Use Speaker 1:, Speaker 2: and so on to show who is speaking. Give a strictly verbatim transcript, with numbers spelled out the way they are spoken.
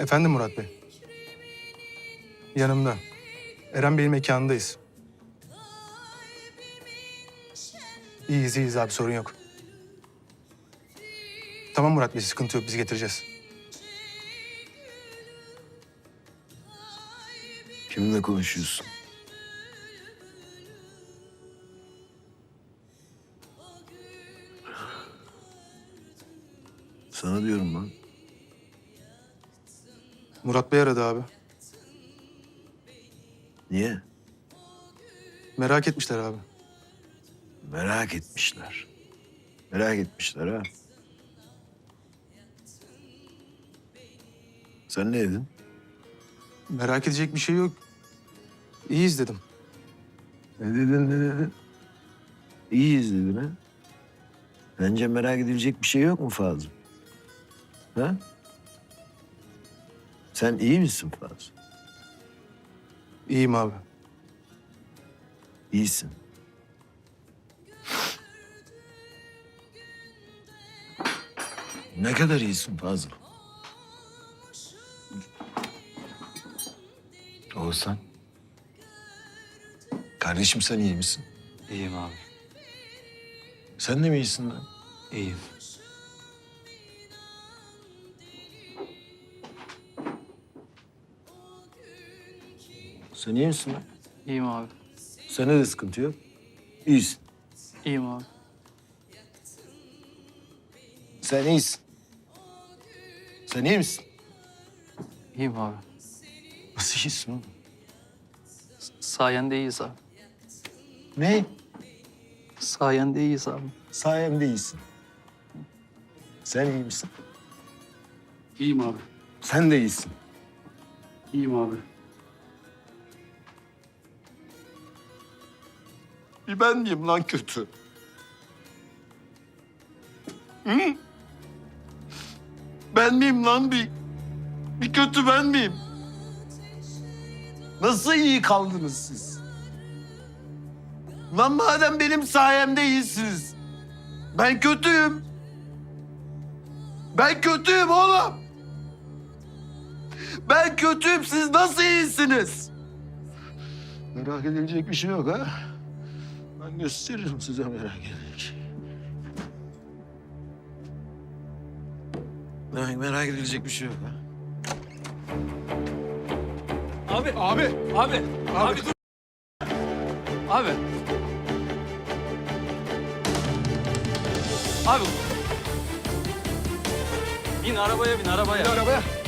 Speaker 1: Efendim Murat Bey. Yanımda. Eren Bey'in mekanındayız. İyiyiz, iyiyiz abi, sorun yok. Tamam Murat Bey, sıkıntı yok, biz getireceğiz.
Speaker 2: Kimle konuşuyorsun? Sana diyorum lan.
Speaker 1: Murat Bey aradı abi.
Speaker 2: Niye?
Speaker 1: Merak etmişler abi.
Speaker 2: Merak etmişler. Merak etmişler ha. Sen ne dedin?
Speaker 1: Merak edecek bir şey yok. İyiyiz dedim.
Speaker 2: Ne dedin, ne dedin? İyiyiz dedin ha. Bence merak edilecek bir şey yok mu Fazıl? Ha? Sen iyi misin Fazıl?
Speaker 1: İyiyim abi.
Speaker 2: İyisin. Ne kadar iyisin Fazıl? Oğuzhan. Kardeşim sen iyi misin?
Speaker 3: İyiyim abi.
Speaker 2: Sen de mi iyisin lan?
Speaker 3: İyiyim.
Speaker 2: Sen iyi misin lan?
Speaker 3: İyiyim abi.
Speaker 2: Sende de sıkıntı yok. İyisin.
Speaker 3: İyiyim abi.
Speaker 2: Sen iyisin. Sen iyi misin?
Speaker 3: İyiyim abi.
Speaker 2: Nasıl iyisin oğlum?
Speaker 3: Sayende iyiyiz abi.
Speaker 2: Ne?
Speaker 3: Sayende iyiyiz abi.
Speaker 2: Sayemde iyisin. Sen iyi misin?
Speaker 4: İyiyim abi.
Speaker 2: Sen de iyisin.
Speaker 4: İyiyim abi.
Speaker 2: Bir ben miyim lan kötü? Hı? Ben miyim lan bir? Bir kötü ben miyim? Nasıl iyi kaldınız siz? Lan madem benim sayemde iyisiniz. Ben kötüyüm. Ben kötüyüm oğlum. Ben kötüyüm, siz nasıl iyisiniz? Merak edilecek bir şey yok ha. Ben gösteririm size merak edilecek. Demek merak edilecek bir şey yok ha.
Speaker 4: Abi. Abi. Abi. Abi dur. Abi. Abi. Bin arabaya bin arabaya.
Speaker 2: Arabaya.